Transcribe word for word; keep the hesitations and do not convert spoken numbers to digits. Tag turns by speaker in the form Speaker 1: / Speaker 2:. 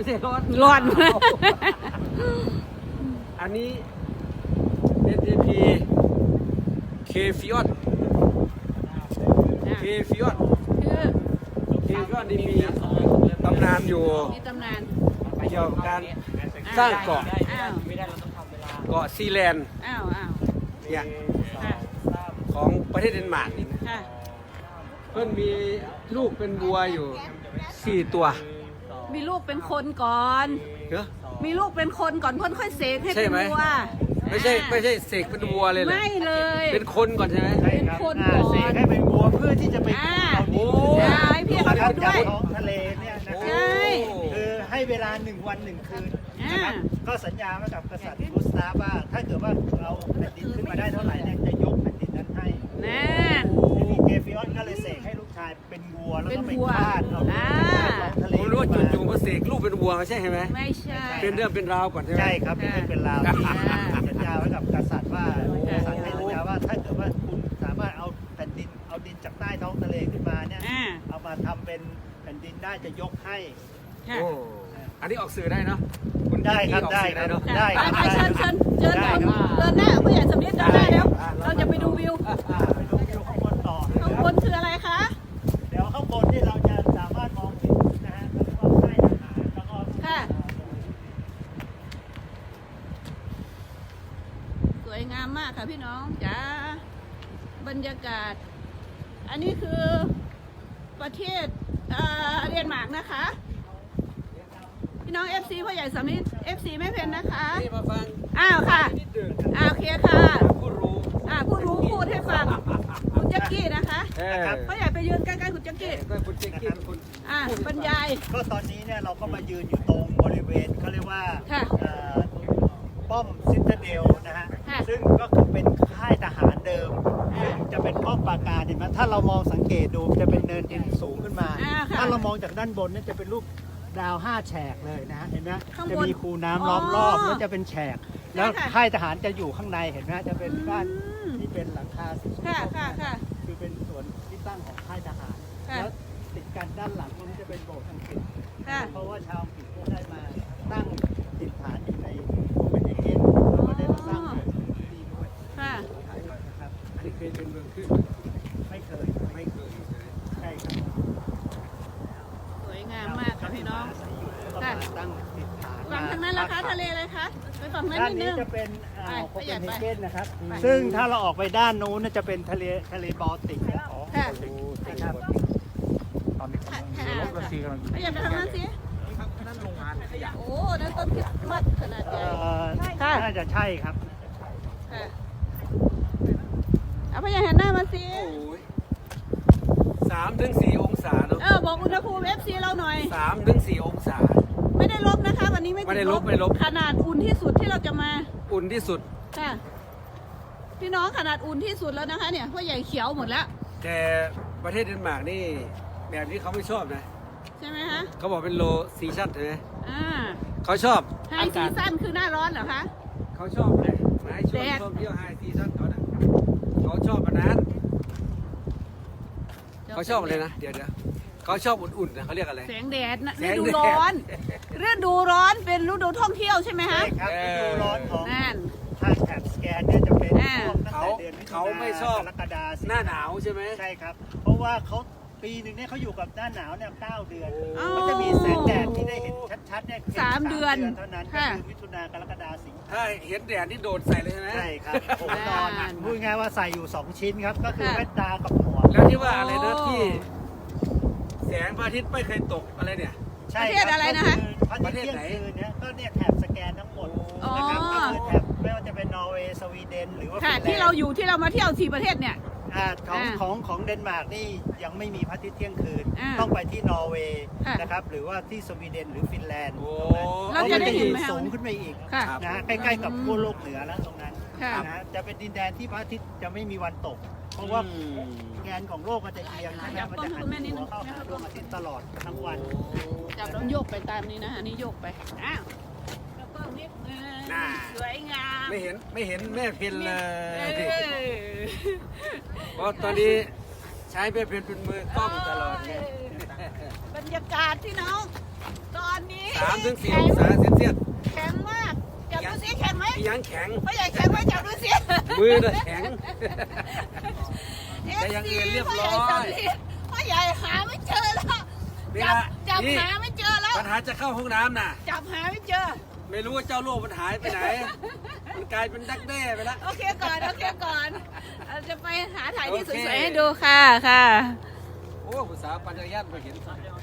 Speaker 1: ใช่ร้อน
Speaker 2: ร้อน
Speaker 1: อันนี้ เอส ที พี เคฟิออนเคฟิออน
Speaker 2: คือ
Speaker 1: เคฟิออนนี่มีตำนานอยู่
Speaker 2: มีตำนาน
Speaker 1: เกี่ยวกับการสร้างเกาะ
Speaker 2: อ้าว
Speaker 1: เกาะซีแลนด์
Speaker 2: อ้าวอ้าว
Speaker 1: เนี่ย
Speaker 2: ค่ะ
Speaker 1: ของประเทศเดนมาร์กนี่นะ
Speaker 2: ค่ะ
Speaker 1: เพื่อนมีลูกเป็นวัวอยู่สี่ตัว
Speaker 2: มีลูกเป็นคนก่อน
Speaker 1: เหรอ
Speaker 2: มีลูกเป็นคนก่อนเพ่นค่อยเสกให้
Speaker 1: ใช่
Speaker 2: เป็น
Speaker 1: ไหม
Speaker 2: วัว
Speaker 1: ไม่ใช่ไม่ใช่เสกเป็นวัวเลยเหรอ
Speaker 2: ไม่เลย
Speaker 1: เป็นคนก่อนใช่ไหม
Speaker 2: เป็นคน
Speaker 3: อ่า
Speaker 2: ก่อน
Speaker 3: เสกให้เป็นวัวเพื่อที่จะไป
Speaker 2: อ่า
Speaker 3: เอาดิน
Speaker 1: โอ้
Speaker 2: ใช่พี่เขา
Speaker 3: นะครับ
Speaker 2: ดูด้วย
Speaker 3: จากท้องทะเลเนี่ยนะค
Speaker 2: ใช่
Speaker 3: รับคือให้เวลาหนึ่งวันหนึ่งคืน
Speaker 2: อ่า
Speaker 3: นะครับก็สัญญาไว้กับกษัตริย์กุสตาฟว่าถ้าเกิดว่าเราแผ่นดินขึ้นมาได้เท่าไหร่เนี่ยจะยกแผ่นดินนั้นให้
Speaker 2: นั่น
Speaker 3: ทีนี้เกฟิออนก็เลยเสกให้ลูกชายเป็นวัวแล้วก็ไป
Speaker 2: เป็นวัว
Speaker 3: ฆ่าเอา
Speaker 2: อ่า
Speaker 3: ท้องทะเล
Speaker 1: ผมรู้ว่าจู่ๆมาเสกลูกเป็นวัวไม่ใช่ไหม
Speaker 2: ไม่ใช่
Speaker 1: เป็นเรื่องเป็นราวก่อนใช่ไหม
Speaker 3: ใช่ครับเป็นเรื่องเป็นราว
Speaker 2: อ่า
Speaker 3: สัญญาไว้กับกษัตริย์ว่ากษัตริย์ให้สัญญาว่าถ้าเกิดว่าคุณสามารถเอาแผ่นดินเอาดินจากใต้ท้องทะเลขึ้นมาเนี่ย
Speaker 2: อ่า
Speaker 3: เอามาทำเป็นแผ่นดินได้จะยกให้
Speaker 2: ค่ะ
Speaker 1: โอ้อันนี้ออกสื่อได้เนาะคุณ
Speaker 3: ได้ครับ
Speaker 1: ออก
Speaker 3: ได้
Speaker 1: สื่อ
Speaker 3: ครับ
Speaker 1: เนาะ
Speaker 3: ได้ครับ
Speaker 2: ไปเชิญเชิญเชิญ
Speaker 3: ได้
Speaker 2: คน
Speaker 3: ครับ
Speaker 2: เดินหน้าผู้ใหญ่สำนิดเดินหน้าแล้ว เราจะไปดูวิว
Speaker 3: อ่าไปดูวิวข้างบนต่อ
Speaker 2: ข้างบนคืออะไรคะ
Speaker 3: เดี๋ยวข้างบนที่เราจะสามารถมองเห็นนะฮะก็เรียกว่าค่ายทหารแล้วก็
Speaker 2: ค่ะ สวยงามมากค่ะพี่น้องจ้าบรรยากาศ อันนี้คือประเทศเอ่อเดนมาร์กนะคะ พี่น้อง เอฟ ซี พ่อใหญ่สำนิด เอฟ ซี แม่เพนนะคะ
Speaker 1: นี่มาฟัง
Speaker 2: อ้าวค่ะ
Speaker 1: นิดหนึ่ง
Speaker 2: อ้าวโอเคค่ะ
Speaker 1: ผู้รู้
Speaker 2: อ่าผู้รู้พูดให้ฟังคุณแจ็กกี้นะคะ
Speaker 1: เออ
Speaker 2: พ่อใหญ่ไปยืนใกล้ๆคุณแจ็กกี้
Speaker 1: ก็คุณเจ๊กี้คุณ
Speaker 2: อ่าบรรยาย
Speaker 3: ก็ตอนนี้เนี่ยเราก็มายืนอยู่ตรงบริเวณเขาเรียกว่า
Speaker 2: ค่ะ
Speaker 3: เอ่อป้อมซิตาเดลนะฮะ
Speaker 2: ค่ะ
Speaker 3: ซึ่งก็คือเป็นค่ายทหารเดิม
Speaker 2: อ่า
Speaker 3: ซึ่งจะเป็นป้อมปราการเห็นไหมถ้าเรามองสังเกตดูจะเป็นเนินดินสูงขึ้นมา
Speaker 2: อ่าค่ะ
Speaker 3: ถ้าเรามองจากด้านบนเนี่ยจะเป็นรูปดาวห้าแฉกเลยนะฮะเห็นไหม
Speaker 2: ข้างบน
Speaker 3: จะมีคูน้ำล้อมรอบ
Speaker 2: อ๋อ
Speaker 3: แล้วจะเป็นแฉก แล้ว
Speaker 2: ค่ะ
Speaker 3: ค่ายทหารจะอยู่ข้างในเห็นไหมฮะจะเป็นบ้าน
Speaker 2: อืม
Speaker 3: ที่เป็นหลังคาสีส้ม
Speaker 2: ค่ะ
Speaker 3: ๆ
Speaker 2: ค่ะค่ะ
Speaker 3: คือเป็นส่วนที่ตั้งของค่ายทหาร
Speaker 2: ค่ะ
Speaker 3: แล้วติดกันด้านหลังตรงนี้จะเป็นโบสถ์อังกฤษ
Speaker 2: ค่ะ
Speaker 3: เพราะว่าชาวอังกฤษก็ได้มาตั้งถิ่นฐานอยู่ในโคเปนเฮเกนแล้วก็ได้มาสร้างโบสถ์ที่นี่ด้วย
Speaker 2: ค่ะ
Speaker 3: นะครับ
Speaker 1: อันนี้เคยเป็นเมืองขึ้น
Speaker 3: ไม่เคย
Speaker 1: ไม่เคยใช่ไหม
Speaker 3: ใช่ครับ
Speaker 2: สวยงามมากค่ะพี่น้อง
Speaker 3: แล้วก็มาตั้งถิ่นฐาน
Speaker 2: ฝั่งทางนั้นล่ะคะทะเลอะไรคะ ไปฝั่งนั้น
Speaker 3: ด้าน
Speaker 2: นิดนึ
Speaker 3: นี้
Speaker 2: ง
Speaker 3: จะเป็นอ่าวโค
Speaker 2: ไป
Speaker 3: เปนเฮเกนนะครับ
Speaker 2: ไป
Speaker 3: ซึ่งถ้าเราออกไปด้านนู้นน่ะจะเป็นทะเลทะเลบอลติกนะ
Speaker 2: ค่ะ
Speaker 3: นะครับ
Speaker 4: ตอนนี้
Speaker 2: ค่ะ
Speaker 4: กำลังรถรัสเซียกำลัง
Speaker 2: ไปอย่าไปทางนั้นสิ
Speaker 4: นั่นโรงงานขยะ
Speaker 2: โอ้นั่นต้นคริสต์มาสขนาดใหญ่
Speaker 3: เอ่อ
Speaker 2: ค่ะ
Speaker 3: น่าจะใช่ครับ
Speaker 2: ค่ะเอาพยาหันหน้ามาสิ
Speaker 1: โอ้ยสามถึงสี่องศาเนาะ
Speaker 2: เออบอกอุณหภูมิ เอฟ ซี เราหน่อย
Speaker 1: สามถึงสี่องศา
Speaker 2: ไม่ได้ลบนะคะ วันนี้ไม่
Speaker 1: ไม่ได้
Speaker 2: ติ
Speaker 1: ลบไม่ลบ
Speaker 2: ขนาดอุ่นที่สุดที่เราจะมา
Speaker 1: อุ่นที่สุด
Speaker 2: ค่ะ พี่น้องขนาดอุ่นที่สุดแล้วนะคะ เนี่ยพ่อใหญ่เขียวหมดแล้ว
Speaker 1: แต่ประเทศเดนมาร์กนี่แบบนี้เขาไม่ชอบนะ
Speaker 2: ใช่ไหมคะ
Speaker 1: เขาบอกเป็นโลซีชั่นใช่ไหม
Speaker 2: อ่า
Speaker 1: เขาชอบ
Speaker 2: ไฮซีซั่นคือหน้าร้อนเหรอคะ
Speaker 1: เขาชอบเลยมาให้ชวน
Speaker 2: แดด
Speaker 1: ท่องเที่ยวไฮซีซั่นเขาน่ะเขาชอบอันนั้นเขาชอบอะไรนะ เดี๋ยวเดี๋ยวเขาชอบอุ่นๆนะเขาเรียกอะไร
Speaker 2: แสงแดดนะ
Speaker 1: แส
Speaker 2: ฤ
Speaker 1: ง
Speaker 2: ดู
Speaker 1: แดด
Speaker 2: ร้อนฤดูร้อนเป็นฤดูท่องเที่ยวใช่ไหมคะ
Speaker 3: ใช่ครับฤดูร้อนของ
Speaker 2: นั่น
Speaker 3: ทางแถบสแกนเนี่ยจะเป็น
Speaker 2: อ่า
Speaker 3: ช่วงตั้ง
Speaker 1: เขา
Speaker 3: แต่เดือนมิถุ
Speaker 1: เขา
Speaker 3: นา
Speaker 1: ไม่ชอบ
Speaker 3: กรกฎาสิง
Speaker 1: หน้าหนาวใช่ไหม
Speaker 3: ใช่ครับ เพราะว่าเขาปีหนึ่งเนี่ยเขาอยู่กับหน้าหนาวเนี่ยเก้าเดือน
Speaker 2: อ๋อ
Speaker 3: มันจะมีแสงแดดที่ได้เห็นชัดๆเนี่ยพียง
Speaker 2: สามเดือน
Speaker 3: เท่านั้นก็
Speaker 2: ค่ะ
Speaker 3: คือมิถุนากรกฎาสิงหา
Speaker 1: ถ้าเห็นแดดนี่โดดใส่เลยใช่ไหม
Speaker 3: ใช่ครับผมนอน
Speaker 2: อ่า
Speaker 3: พูดง่ายๆว่าใส่อยู่สองชิ้นครับก็คือ
Speaker 2: ค่ะ
Speaker 3: แว่นตากับหมวก
Speaker 1: แล้วที่ว่าอะไรนะ
Speaker 2: โอ้
Speaker 1: ที่แสงพระอาทิตย์ไม่เคยตกอะไรเนี่ย
Speaker 3: ใช่
Speaker 2: ประเทศอะไรนะคะ
Speaker 3: ก็คือพระอาทิตย์เที่ยงคืนเนี่ยก็เนี่ยแถบสแกนทั้งหมด
Speaker 2: อ๋อ
Speaker 3: นะครับก็คือแถบไม่ว่าจะเป็นนอร์เวย์สวีเดนหรือว่า
Speaker 2: ค่ะ
Speaker 3: ฟินแลนด์
Speaker 2: ที่เราอยู่ที่เรามาเที่ยวสี่ประเทศเนี่ย
Speaker 3: อ่าของ
Speaker 2: อ่า
Speaker 3: ของของเดนมาร์กนี่ยังไม่มีพระอาทิตย์เที่ยงคืน
Speaker 2: อ่า
Speaker 3: ต้องไปที่นอร์เวย์
Speaker 2: ค่ะ
Speaker 3: นะครับหรือว่าที่สวีเดนหรือฟินแลนด์
Speaker 1: โอ้
Speaker 2: เราจะได้เห็นไหมคะ
Speaker 3: สูงขึ้นไปอีก
Speaker 2: ค่ะ
Speaker 3: นะฮะใกล้ๆกับขั้วโลกเหนือแล้วตรงนั้น
Speaker 2: ค่ะ
Speaker 3: นะฮะจะเป็นดินแดนที่พระอาทิตย์จะไม่มีวันตก เพราะว่าแกนของโลกมันจะเอียงใช่ไหม
Speaker 2: จับ
Speaker 3: มัน
Speaker 2: ต้น
Speaker 3: จะหัน
Speaker 2: คุณแม่นิดนึ
Speaker 3: หั
Speaker 2: ง
Speaker 3: วเข้าหาดวงอาทิตย์ตลอดทั้งวัน
Speaker 2: จับแล้วโยกไปตามนี้นะอันนี้โยกไป อ้าวแล้วก็นิดนึง
Speaker 1: น่า
Speaker 2: สวยงาม
Speaker 1: ไม่เห็นไม่เห็นแม่เพนเล
Speaker 2: เอย อ
Speaker 1: เพราะตอนนี้ใช้แม่เพนเป็นมือกล้องตลอดเลย
Speaker 2: บรรยากาศที่น้องตอนนี้
Speaker 1: สามถึงสี่
Speaker 2: แข็
Speaker 1: องศาเซลเซียส
Speaker 2: แข็งมากจับดูสิแข็งไหม
Speaker 1: อีหยังแข็ง
Speaker 2: พ่อใหญ่แข็งไหมจับดูสิ
Speaker 1: มือน่ะแข็ง
Speaker 2: เอ
Speaker 1: แต่
Speaker 2: ฟ
Speaker 1: อย่างอื่
Speaker 2: ซี
Speaker 1: นเรียบ
Speaker 2: พ่อ
Speaker 1: ร้
Speaker 2: ให
Speaker 1: อย
Speaker 2: ญ่สำลีพ่อใหญ่หาไม่เจอแล้ว
Speaker 1: นี่
Speaker 2: จับ
Speaker 1: ละ
Speaker 2: จับ
Speaker 1: นี่
Speaker 2: หาไม่เจอแล้ว
Speaker 1: ปัญหาจะเข้าห้องน้ำน่ะ
Speaker 2: จับหาไม่เจอ
Speaker 1: ไม่รู้ว่าเจ้าโลกมันหายไปไหน มันกลายเป็นดักแด้ไปแล้ว
Speaker 2: โอเคก่อนโอเคก่อนเราจะไปหาถ่ายที่ส
Speaker 1: โอเค
Speaker 2: วยๆให้ดูค่ะค่ะ
Speaker 1: โอ้ผู้สาวปัญญาญาณมาเห็น